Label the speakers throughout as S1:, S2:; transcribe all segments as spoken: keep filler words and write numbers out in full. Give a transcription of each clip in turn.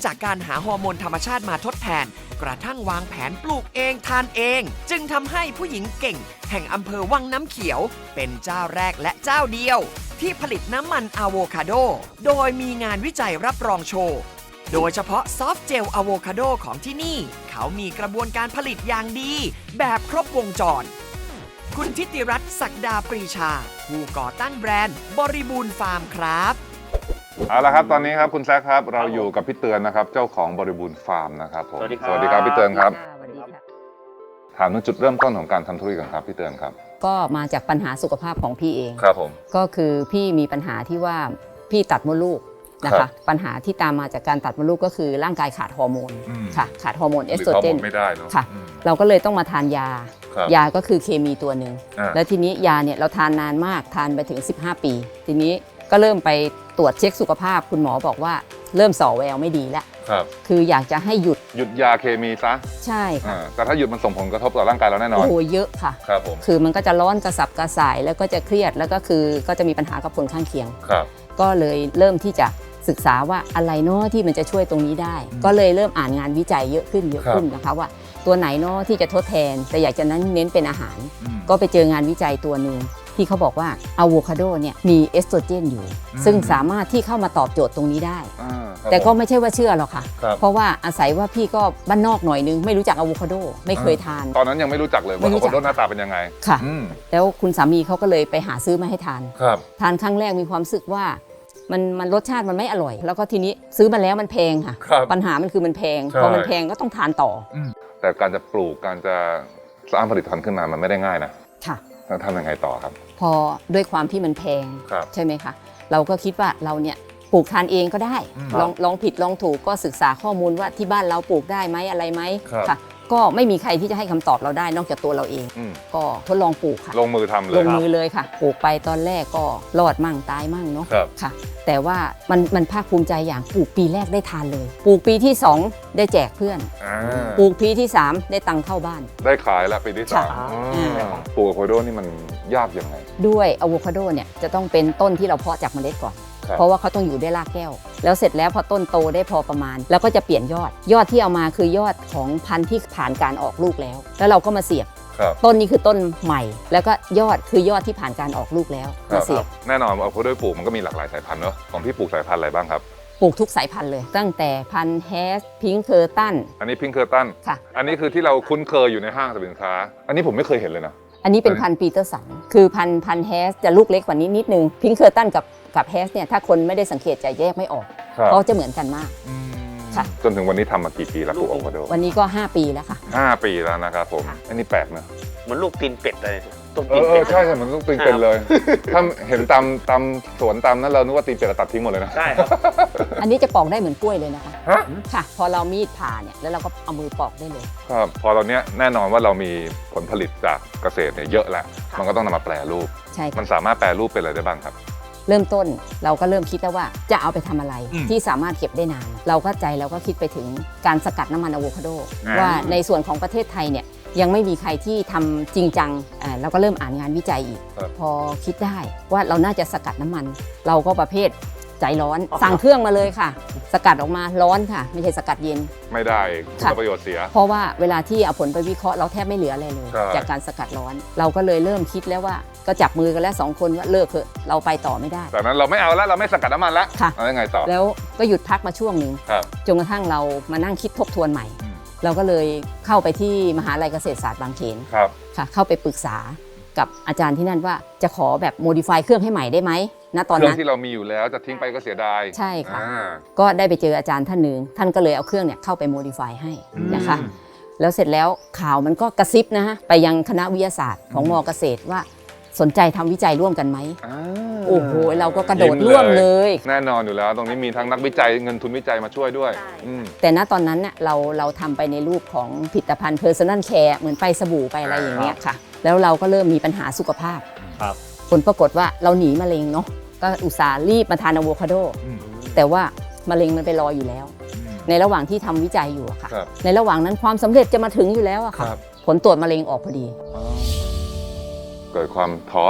S1: จากการหาฮอร์โมนธรรมชาติมาทดแทนกระทั่งวางแผนปลูกเองทานเอง จึงทำให้ผู้หญิงเก่งแห่งอำเภอวังน้ำเขียวเป็นเจ้าแรกและเจ้าเดียวที่ผลิตน้ำมันอะโวคาโดโดยมีงานวิจัยรับรองโชว์โดยเฉพาะซอฟต์เจลอะโวคาโดของที่นี่เขามีกระบวนการผลิตอย่างดีแบบครบวงจรคุณทิติรัตน์ศักดาปรีชาผู้ก่อตั้งแบรนด์บริบูรณ์ฟาร์มครับ
S2: เอาละครับตอนนี้ครับคุณแซคครับเราอยู่กับพี่เตือนนะครับเจ้าของบริบูรณ์ฟาร์มนะครับผม
S3: สวัสดีครับ
S2: สวัสดีครับพี่เตือนครับ
S4: สวัสดีค่ะ
S2: ถามถึงจุดเริ่มต้นของการทำธุรกิจกันครับพี่เตือนครับ
S4: ก็มาจากปัญหาสุขภาพของพี่เอง
S2: ครับผม
S4: ก็คือพี่มีปัญหาที่ว่าพี่ตัดมดลูกนะ
S2: ครั
S4: คะ
S2: บ
S4: ปัญหาที่ตามมาจากการตัดมดลูกก็คือร่างกายขาดฮอร์โมน
S2: อืม
S4: ค่ะขาดฮอร์โมนเอสโตรเจน
S2: หรือฮอร์โมไม่ได้เนอะ
S4: ค่ะ
S2: อืม
S4: เราก็เลยต้องมาทานยา
S2: ครับ
S4: ยาก็คือเคมีตัวหนึ่ง
S2: อ่า
S4: แล้วทีนี้ยาเนี่ยเราทานนานมากทานไปถึงสิบห้าปี ทีนี้ก็เริ่มไปตรวจเช็คสุขภาพคุณหมอบอกว่าเริ่มส่อแววไม่ดีแล้ว
S2: ครับ
S4: คืออยากจะให้หยุด
S2: หยุดยาเคมีซะ
S4: ใช่ค่ะ
S2: อ่าแต่ถ้าหยุดมันส่งผลกระทบต่อร่างกายเราแน่นอ
S4: โอ้
S2: น
S4: โหเยอะค่ะ
S2: ครับผม
S4: คือมันก็จะร้อนกระสับกระส่ายแล้วก็จะเครียดแล้วก็คือก็จะมีปัญหากับผลข้างเคียง
S2: ครับ
S4: ก็เลยเริ่มที่จะศึกษาว่าอะไรเนาะที่มันจะช่วยตรงนี้ได้
S2: อืม
S4: ก็เลยเริ่มอ่านงานวิจัยเยอะขึ้นเยอะ
S2: ครับ
S4: ขึ้นนะคะว่าตัวไหนเนาะที่จะทดแทน แต่อยากจะนั้นเน้นเป็นอาหาร
S2: อืม
S4: ก็ไปเจองานวิจัยตัวหนึ่งที่เขาบอกว่าอะโวคาโดเนี่ยมีเอสโตรเจนอยู่
S2: อืม
S4: ซึ่งสามารถที่เข้ามาตอบโจทย์ตรงนี้ได้
S2: อ่าครับ
S4: แต่ก็
S2: ผม
S4: ไม่ใช่ว่าเชื่อหรอกค่ะ
S2: ครับ
S4: เพราะว่าอาศัยว่าพี่ก็บ้านนอกหน่อยนึงไม่รู้จักอะโวคาโดไม่เคยทาน
S2: ตอนนั้นยังไม่รู้จักเลย
S4: ไม่
S2: ว่า
S4: รู้
S2: อะโว
S4: จั
S2: คาก โดหน้าตาเป็นยังไง
S4: ค่ะ
S2: อืม
S4: แล้วคุณสามีเขาก็เลยไปหาซื้อมาให้ทาน
S2: ครับ
S4: ทานครั้งแรกมีความรู้สึกว่ามันมันรสชาติมันไม่อร่อย แล้วก็ทีนี้ซื้อมาแล้วมันแพงค่ะ
S2: ครับ
S4: ปัญหามันคือมันแพง
S2: ใช่
S4: พอมันแพงก็ต้องทานต่อ
S2: แต่การจะปลูกการจะสร้างผลิตภัณฑ์ขึ้นมามันไม่ได้ง่ายนะ
S4: ค่ะ
S2: แล้วทำยังไงต่อครับ
S4: พอด้วยความที่มันแพง
S2: ครับ
S4: ใช่ไหมคะเราก็คิดว่าเราเนี่ยปลูกทานเองก็ได้
S2: อืม
S4: ลองลองผิดลองถูกก็ศึกษาข้อมูลว่าที่บ้านเราปลูกได้ไหมอะไรไหม
S2: ครับ
S4: ค่ะ ก็ไม่มีใครที่จะให้คำตอบเราได้นอกจากตัวเราเอง
S2: อืม
S4: ก็ทดลองปลูกค่ะ
S2: ลงมือทำเล
S4: ล
S2: ย
S4: งมือเลยค่ะปลูกไปตอนแรกก็รอดมั่งตายมั่งเนาะ
S2: ครับ
S4: ค่ะ แต่ว่ามันมันภาคภูมิใจอย่างปลูกปีแรกได้ทานเลย ปลูกปีที่สองได้แจกเพื่อน
S2: อ่า
S4: ปลูกปีที่สามได้ตังค์เข้าบ้าน
S2: ได้ขายแล้วปีที่สาม
S4: ค่ะ
S2: อ่าปลูกอะโวคาโดนี่มันยากยังไง
S4: ด้วยอะโวคาโดเนี่ยจะต้องเป็นต้นที่เราเพาะจากเมล็ดก่อน
S2: ครับ
S4: เพราะว่าเขาต้องอยู่ได้รากแก้ว แล้วเสร็จแล้วพอต้นโตได้พอประมาณ แล้วก็จะเปลี่ยนยอด ยอดที่เอามาคือยอดของพันธุ์ที่ผ่านการออกลูกแล้ว แล้วเราก็มาเสียบ
S2: ครับ
S4: ต้นนี้คือต้นใหม่ แล้วก็ยอดคือยอดที่ผ่านการออกลูกแล้ว
S2: ครั
S4: มา
S2: บ
S4: เสียบ
S2: แน่นอนอะโวคาโดปลูกมันก็มีหลากหลายสายพันธุ์เนอะของพี่ปลูกสายพันธุ์อะไรบ้างครับ
S4: ปลูกทุกสายพันธุ์เลย ตั้งแต่พันธุ์แฮสพิงค์เคอร์ตัน
S2: อันนี้พิงเคอร์ตัน
S4: ค่ะ
S2: อันนี้คือที่เราคุ้นเคยอยู่ในห้างสรรพสินค้า อันนี้ผมไม่เคยเห็นเลยนะ
S4: อันนี้เป็นพันธุ์ปีเตอร์สัน คือพันธุ์พันธุ์แฮสจะลูกเล็กกว่านี้นิดนึง พิงค์เคอร์ตันกับกับแฮสเนี่ยถ้าคนไม่ได้สังเกตจะแยกไม่ออก
S2: ครับ
S4: เพราะจะเหมือนกันมาก
S2: อืม
S4: ค่ะ
S2: จนถึงวันนี้ทำมากี่ปีแล้วปลูกอะโวคาโด
S4: วันนี้ก็ห้าปีแล้วค่ะ
S2: ห้าปีแล้วนะครับผม อันนี้แปลกนะ
S3: เหมือนลูกตีนเป็ดเลยต้น
S2: เอ
S3: ตีน
S2: อเอ
S3: เป็
S2: อ
S3: ด
S2: ใช่ใช่เหมือนลูกตีนเป็นเลย ถ้าเห็นตามตามสวนตามนั้นเรานึกว่าตีนเป็ดเราตัดทิ้งหมดเลยนะ
S3: ใช่ครับ
S4: อันนี้จะปอกได้เหมือนกล้วยเลยนะคะ
S2: ฮะ
S4: ค่ะ พอเรามีดผ่าเนี่ยแล้วเราก็เอามือปอกได้เลย
S2: ครับพอตอนเนี้ยแน่นอนว่าเรามีผลผลิตจากเกษตรเนี่ยเยอะแล้ว มันก็ต้องนำมาแปรรูป
S4: ใช่
S2: มั
S4: ค่ะ
S2: นสามารถแปรรูปเป็นอะไรได้บ้างครับ
S4: เริ่มต้นเราก็เริ่มคิดแล้วว่าจะเอาไปทำอะไร
S2: อืม
S4: ที่สามารถเก็บได้นาน เราก็ใจเราก็คิดไปถึงการสกัดน้ำมันอะโวคาโด
S2: อ่า
S4: ว่าในส่วนของประเทศไทยเนี่ยยังไม่มีใครที่ทำจริงจังอ่าเราก็เริ่มอ่านงานวิจัยอีก
S2: ครับ
S4: พอคิดได้ว่าเราน่าจะสกัดน้ำมัน เราก็ประเภทใจร้อน สั่งเครื่องมาเลยค่ะ สกัดออกมาร้อนค่ะ ไม่ใช่สกัดเย็น
S2: ไม่ได้คุณ
S4: ค่ะ
S2: ประโยชน์เสีย
S4: เพราะว่าเวลาที่เอาผลไปวิเคราะห์เราแทบไม่เหลืออะไรเลย
S2: ใช่
S4: จากการสกัดร้อน เราก็เลยเริ่มคิดแล้วว่าก็จับมือกันแล้วสองคนว่าเลิกเถอะเราไปต่อไม่ได้
S2: แต่นั้นเราไม่เอาแล้วเราไม่สกัดน้ำมันแล้ว
S4: ค่ะ
S2: แล้วยังไงต่อ
S4: แล้วก็หยุดพักมาช่วงหนึ่ง
S2: ครับ
S4: จนกระทั่งเรามานั่งคิดทบทวนใหม่
S2: อืม
S4: เราก็เลยเข้าไปที่มหาลัยเกษตรศาสตร์บางเขน
S2: ครับ
S4: ค่ะเข้าไปปรึกษากับอาจารย์ที่นั่นว่าจะขอแบบโมดิฟายเครื่องให้ใหม่ได้ไหมณตอน
S2: เครื่อ
S4: นั้
S2: ง
S4: น
S2: ที่เรามีอยู่แล้วจะทิ้งไปก็เสียดาย
S4: ใช่ค่ะ
S2: อ่า
S4: ก็ได้ไปเจออาจารย์ท่านหนึ่งท่านก็เลยเอาเครื่องเนี่ยเข้าไปโมดิฟายให้นะคะ
S2: อืม
S4: แล้วเสร็จแล้วข่าวมันก็กระซิบนะฮะไปยังคณะวิทยาศาสตร์ของมอเกษตรว่าสนใจทำวิจัยร่วมกันไหม
S2: อ่า
S4: โอ้โหเราก็กระโดด
S2: ยิ้
S4: ร่วมเลย
S2: แน่นอนอยู่แล้ว ตรงนี้มีทั้งนักวิจัยเงินทุนวิจัยมาช่วยด้วยอืม
S4: แต่ณตอนนั้นเนี่ยเราเราทำไปในรูปของผลิตภัณฑ์ Personal Care เหมือนไปสบู่ไปอะไรอย่างเงี้ยค่ะ แล้วเราก็เริ่มมีปัญหาสุขภาพ
S3: ครับ
S4: ผลปรากฏว่าเราหนีมะเร็งเนาะก็อุตส่าห์รีบมาทานอะโวคาโด
S2: อืม
S4: แต่ว่ามะเร็งมันไปรออยู่แล้ว ในระหว่างที่ทำวิจัยอยู่อะค่ะ
S2: ครับ
S4: ในระหว่างนั้นความสำเร็จจะมาถึงอยู่แล้วอะค่ะ
S2: ครับ
S4: ผลตรวจมะเร็งออกพอดี
S2: เกิดความท้ออีก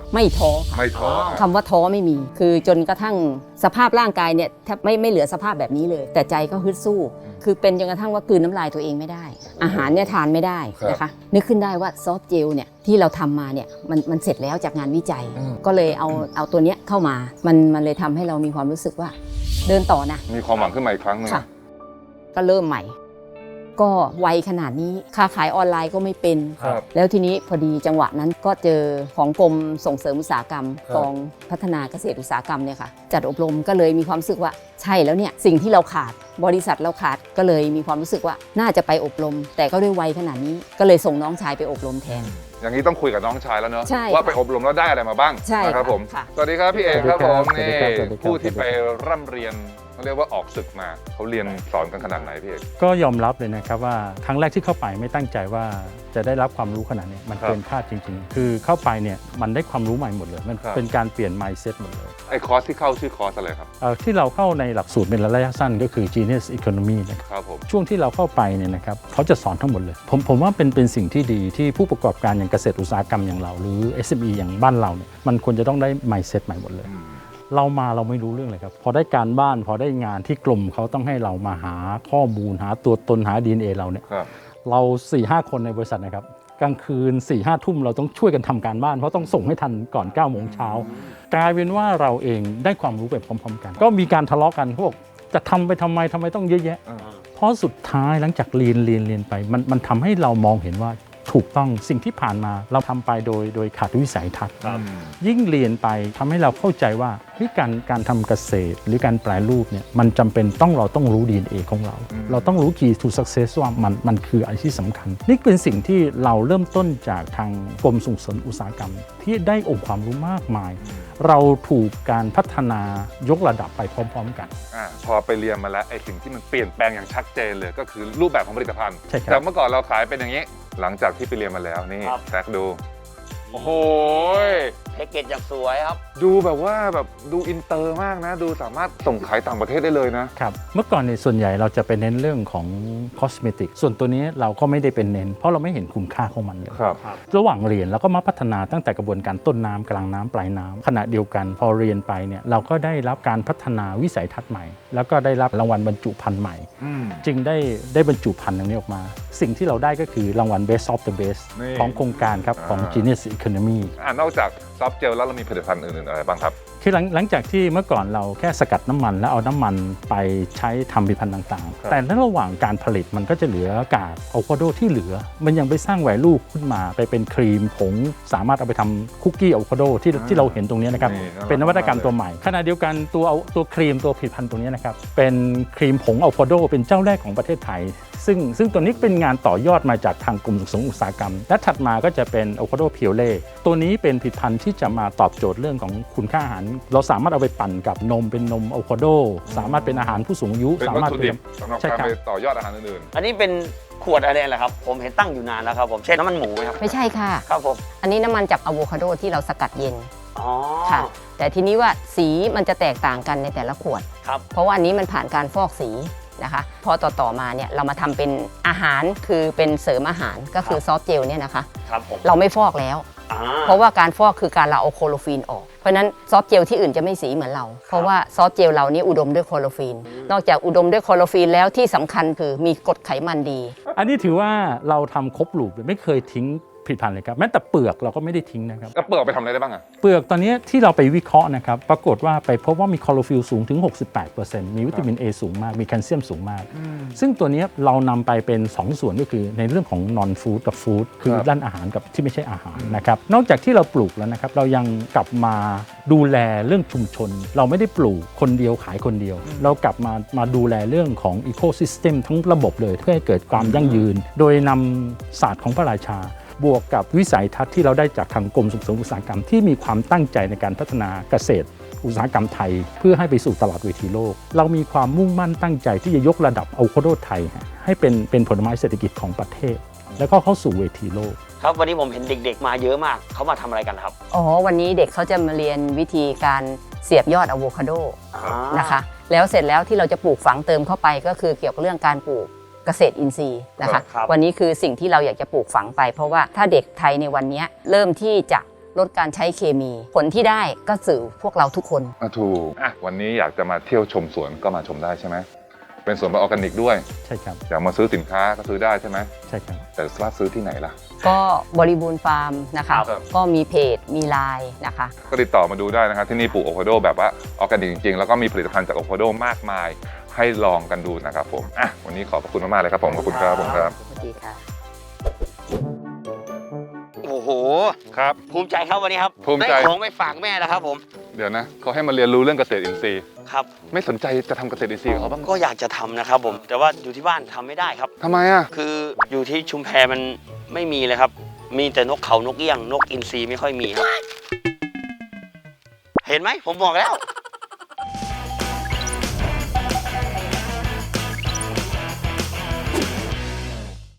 S4: ไม่ท้อค่ะ
S2: ไม่ท้อ
S4: คำว่าท้อไม่มี คือจนกระทั่งสภาพร่างกายเนี่ยแทบไม่ไม่เหลือสภาพแบบนี้เลย แต่ใจก็ฮึดสู้ คือเป็นจนกระทั่งว่ากลืนน้ำลายตัวเองไม่ได้ อาหารเนี่ยทานไม่ได้นะคะนึกขึ้นได้ว่าซอฟต์เจลเนี่ยที่เราทำมาเนี่ยมันมันเสร็จแล้วจากงานวิจัย ก็เลยเอาเอาตัวเนี้ยเข้ามามันมันเลยทำให้เรามีความรู้สึกว่าเดินต่อนะ
S2: มีความหวังขึ้นมาอีกครั้งหนึง
S4: ค่ะก็เริ่มใหม่ ก็ไวขนาดนี้ค้าขายออนไลน์ก็ไม่เป็น
S2: ครับ
S4: แล้วทีนี้พอดีจังหวะนั้นก็เจอของกรมส่งเสริมอุตสาหกรรม
S2: ครับ
S4: กองพัฒนาเกษตรอุตสาหกรรมเนี่ยค่ะจัดอบรมก็เลยมีความรู้สึกว่าใช่แล้วเนี่ยสิ่งที่เราขาดบริษัทเราขาดก็เลยมีความรู้สึกว่าน่าจะไปอบรม แต่ก็ด้วยวัยขนาดนี้ก็เลยส่งน้องชายไปอบรมแทน
S2: อย่างนี้ต้องคุยกับน้องชายแล้วเนอะ
S4: ใช่
S2: ว่าไปอบรมแล้วได้อะไรมาบ้าง
S4: ใช่
S2: นะครับผม
S4: ค่ะ
S2: สวัสดีครับพี่เอกครับผม
S5: สวัสดี
S2: นี่
S5: ครับสวัสดีครับ
S2: ผู้ที่ไปร่ำเรียนเขาเรียกว่าออกศึกมาเขาเรียนสอนกันขนาดไหนพี่เอก
S5: ก็ยอมรับเลยนะครับว่าครั้งแรกที่เข้าไปไม่ตั้งใจว่าจะได้รับความรู้ขนาดนี้มัน
S2: ครับ
S5: เกินคาดจริงๆ คือเข้าไปเนี่ยมันได้ความรู้ใหม่หมดเลย มัน
S2: ครับ
S5: เป็นการเปลี่ยน mindset หมดเลย
S2: ไอ้คอร์สที่เข้าชื่อคอร์สอะไรครับ
S5: เอ่อที่เราเข้าในหลักสูตรเป็นระยะสั้นก็คือ Genius Economy นะครับ
S2: ครับผม
S5: ช่วงที่เราเข้าไปเนี่ยนะครับเขาจะสอนทั้งหมดเลย ผมผมว่าเป็นเป็นสิ่งที่ดีที่ผู้ประกอบการอย่างเกษตรอุตสาหกรรมอย่างเราหรือ เอส เอ็ม อี อย่างบ้านเราเนี่ยมันควรจะต้องได้ mindset ใหม่หมดเลย
S2: อืม
S5: เรามาเราไม่รู้เรื่องเลยครับ พอได้การบ้านพอได้งานที่กลุ่มเขาต้องให้เรามาหาข้อมูลหาตัวตนหา ดี เอ็น เอ เราเนี่ย
S2: ครับ
S5: เราสี่ห้าคนในบริษัทนะครับกลางคืน4ี่ห้าทุ่มเราต้องช่วยกันทำการบ้านเพราะต้องส่งให้ทันก่อน9ก้าโมงเช้ากลายเป็นว่าเราเองได้ความรู้ไปพร้อมๆกัน ก็มีการทะเลาะกันพวกจะทำไปทำไมทำไมต้องเยอะแยะ
S2: อ่า
S5: เพราะสุดท้ายหลังจากเรียนเรียนเรียนไปมันมันทำให้เรามองเห็นว่าถูกต้องสิ่งที่ผ่านมาเราทำไปโดยโดยขาดวิสัยทัศน์
S2: อืม
S5: ยิ่งเรียนไปทำให้เราเข้าใจว่าเฮ้ยการการทำเกษตรหรือการแปรรูปเนี่ยมันจำเป็นต้องเราต้องรู้ ดี เอ็น เอ ของเรา
S2: อืม
S5: เราต้องรู้ Key to Success ว่ามันมันคืออะไรที่สำคัญ นี่เป็นสิ่งที่เราเริ่มต้นจากทางกรมส่งเสริมอุตสาหกรรม ที่ได้องค์ความรู้มากมาย เราถูกการพัฒนายกระดับไปพร้อมๆกัน
S2: อ่าพอไปเรียนมาแล้วไอ้สิ่งที่มันเปลี่ยนแปลงอย่างชัดเจนเลยก็คือรูปแบบของผลิตภัณฑ์
S5: ใช่ครับ
S2: แต่เมื่อก่อนเราขายเป็นอย่างนี้ หลังจากที่ไปเรียนมาแล้วนี่
S3: ครับ
S2: แซกดู โอ้โห
S3: แพ็กเกจอย่างสวยครับ
S2: ดูแบบว่าแบบดูอินเตอร์มากนะ ดูสามารถส่งขายต่างประเทศได้เลยนะ
S5: ครับเมื่อก่อนในยส่วนใหญ่เราจะไปเน้นเรื่องของคอสเมติกส่วนตัวนี้เราก็ไม่ได้เป็นเน้น เพราะเราไม่เห็นคุณค่าของมันเลย
S2: ครับ
S5: ระหว่างเรียนเราก็มาพัฒนาตั้งแต่กระบวนการต้นน้ำกลางน้ำปลายน้ำขณะเดียวกันพอเรียนไปเนี่ยเราก็ได้รับการพัฒนาวิสัยทัศน์ใหม่ แล้วก็ได้รับรางวัลบรรจุภัณฑ์ใหม่
S2: อืม
S5: จึงได้ได้บรรจุภัณฑ์ตรงนี้ออกมา สิ่งที่เราได้ก็คือรางวัล Best of the Best
S2: นี่
S5: ของโครงการครับของ
S2: อ่า
S5: Genius Economy
S2: อ่านอกจากซอฟต์เจลแล้วเรามีผลิตภัณฑ์อื่นๆอะไรบ้างครับ
S5: คือหลังหลังจากที่เมื่อก่อนเราแค่สกัดน้ำมันแล้วเอาน้ำมันไปใช้ทำผลิตภัณฑ์ต่าง
S2: ครับ
S5: ๆ แต่ในระหว่างการผลิตมันก็จะเหลือกากอะโวคาโดที่เหลือ มันยังไปสร้างแวลูขึ้นมาไปเป็นครีมผงสามารถเอาไปทำคุกกี้อะโวคาโดที่ที่เราเห็นตรงนี้นะครับ
S2: นี่น่ารัก
S5: เป็นนวัตกรรมตัวใหม่ ขณะเดียวกันตัวเอาตัวครีมตัวผลิตภัณฑ์ตัวนี้นะครับเป็นครีมผงอะโวคาโดเป็นเจ้าแรกของประเทศไทย ซึ่งซึ่งตัวนี้เป็นงานต่อยอดมาจากทางกรมส่งเสริมอุตสาหกรรม และถัดมาก็จะเป็นอะโวคาโดเพียวเล่ตัวนี้เป็นผลิตภัณฑ์ที่จะมาตอบโจทย์เรื่องของคุณค่าอาหาร เราสามารถเอาไปปั่นกับนมเป็นนมอะโวคาโดสามารถเป็นอาหารผู้สูงอายุ
S2: เป็น
S5: สา
S2: วัต
S5: มารถ
S2: ถุ
S5: เป็
S2: ดิบ
S5: น
S2: สำหรับ
S5: ใช่
S2: การ
S5: ครับ
S2: ไปต่อยอดอาหารอื่น
S3: อันนี้เป็นขวดอะไรแหละครับ ผมเห็นตั้งอยู่นานแล้วครับผมใช่น้ำมันหมูไหมครับ
S4: ไม่ใช่ค่ะ
S3: ครับผม
S4: อันนี้น้ำมันจากอะโวคาโดที่เราสกัดเย็น
S3: อ๋อ
S4: ค่ะ แต่ทีนี้ว่าสีมันจะแตกต่างกันในแต่ละขวด
S3: ครับ
S4: เพราะว่าอันนี้มันผ่านการฟอกสีนะคะ พอต่อๆมาเนี่ยเรามาทำเป็นอาหารคือเป็นเสริมอาหารก็คือซอฟต์เจลเนี่ยนะคะ
S3: ครับผม
S4: เราไม่ฟอกแล้ว
S3: อ่า
S4: เพราะว่าการฟอกคือการเราเอาโคโลฟีนออก เพราะฉะนั้นซอฟต์เจลที่อื่นจะไม่สีเหมือนเรา เพราะว่าซอฟต์เจลเรานี่อุดมด้วยโคโลฟีน นอกจากอุดมด้วยโคโลฟีนแล้วที่สำคัญคือมีกรดไขมันดี
S5: อันนี้ถือว่าเราทำครบลูปเลยไม่เคยทิ้งผลิตภัณฑ์เลยครับแม้แต่เปลือกเราก็ไม่ได้ทิ้งนะครับ
S2: ๆแล้วเปิดเอาไปทำอะไรได้บ้างอ่ะ
S5: เปลือกตอนนี้ที่เราไปวิเคราะห์นะครับปรากฏว่าไปพบว่ามีคลอโรฟิลสูงถึง หกสิบแปดเปอร์เซ็นต์ มีวิตามิน A สูงมาก มีแคลเซียมสูงมาก ซึ่งตัวนี้เรานำไปเป็น สอง ส่วนก็คือในเรื่องของนอนฟู้ดกับฟู้ดคือ
S2: ครับ
S5: ด้านอาหารกับที่ไม่ใช่อาหารนะครับนอกจากที่เราปลูกแล้วนะครับเรายังกลับมาดูแลเรื่องชุมชน เราไม่ได้ปลูกคนเดียวขายคนเดียว เรากลับมามาดูแลเรื่องของอีโคซิสเต็มทั้งระบบเลยเพื่อให้เกิดความยั่งยืน โดยนำศาสตร์ของพระราชา บวกกับวิสัยทัศน์ที่เราได้จากทางกรมส่งเสริมอุตสาหกรรมที่มีความตั้งใจในการพัฒนาเกษตรอุตสาหกรรมไทย เพื่อให้ไปสู่ตลาดเวทีโลก เรามีความมุ่งมั่นตั้งใจที่จะยกระดับอะโวคาโดไทยให้เป็นเป็นผลไม้เศรษฐกิจของประเทศ แล้วก็เข้าสู่เวทีโลก
S3: ครับวันนี้ผมเห็นเด็กๆมาเยอะมากเขามาทำอะไรกันครับ
S4: อ๋อ วันนี้เด็กเขาจะมาเรียนวิธีการเสียบยอดอะโวคาโด
S3: อ่า
S4: นะคะ แล้วเสร็จแล้วที่เราจะปลูกฝังเติมเข้าไปก็คือเกี่ยวกับเรื่องการปลูกเกษตรอินทรีย์นะคะ
S3: ครับ
S4: วันนี้คือสิ่งที่เราอยากจะปลูกฝังไป เพราะว่าถ้าเด็กไทยในวันนี้เริ่มที่จะลดการใช้เคมี ผลที่ได้ก็สื่อพวกเราทุกคน
S2: อ่ะถูกอ่ะวันนี้อยากจะมาเที่ยวชมสวนก็มาชมได้ใช่ไหมเป็นสวนแบบออร์แกนิกด้วย
S5: ใช่ครับ
S2: อยากมาซื้อสินค้าก็ซื้อได้ใช่ไหม
S5: ใช่ครับ
S2: แต่ว่าซื้อที่ไหนล่ะ
S4: ก็บริบูรณ์ฟาร์มนะคะ
S2: ครับ
S4: ก็มีเพจมีไลน์นะคะ
S2: ก็ติดต่อมาดูได้นะครับที่นี่ปลูกอะโวคาโดแบบว่าออร์แกนิกจริงๆแล้วก็มีผลิตภัณฑ์จากอะโวคาโดมากมายให้ลองกันดูนะครับผมอ่ะวันนี้ขอบพระคุณมากๆเลยครับผมขอบคุณครับผมครับ
S4: สวัสดีค่ะ
S3: โอ้โห
S2: ครับ
S3: ภูมิใจครับวันนี้ครับ
S2: ภูมิใจ
S3: ได้ของไปฝากแม่แล้วครับผม
S2: เดี๋ยวนะเขาให้มาเรียนรู้เรื่องเกษตรอินทรีย์
S3: ครับ
S2: ไม่สนใจจะทำเกษตรอินทรีย์กับเขาบ้าง
S3: ก็อยากจะทำนะครับผม แต่ว่าอยู่ที่บ้านทำไม่ได้ครับ
S2: ทำไมอ่ะ
S3: คืออยู่ที่ชุมแพมันไม่มีเลยครับ มีแต่นกเขานกเอี้ยง นกอินทรีไม่ค่อยมีครับ เห็นไหมผมบอกแล้ว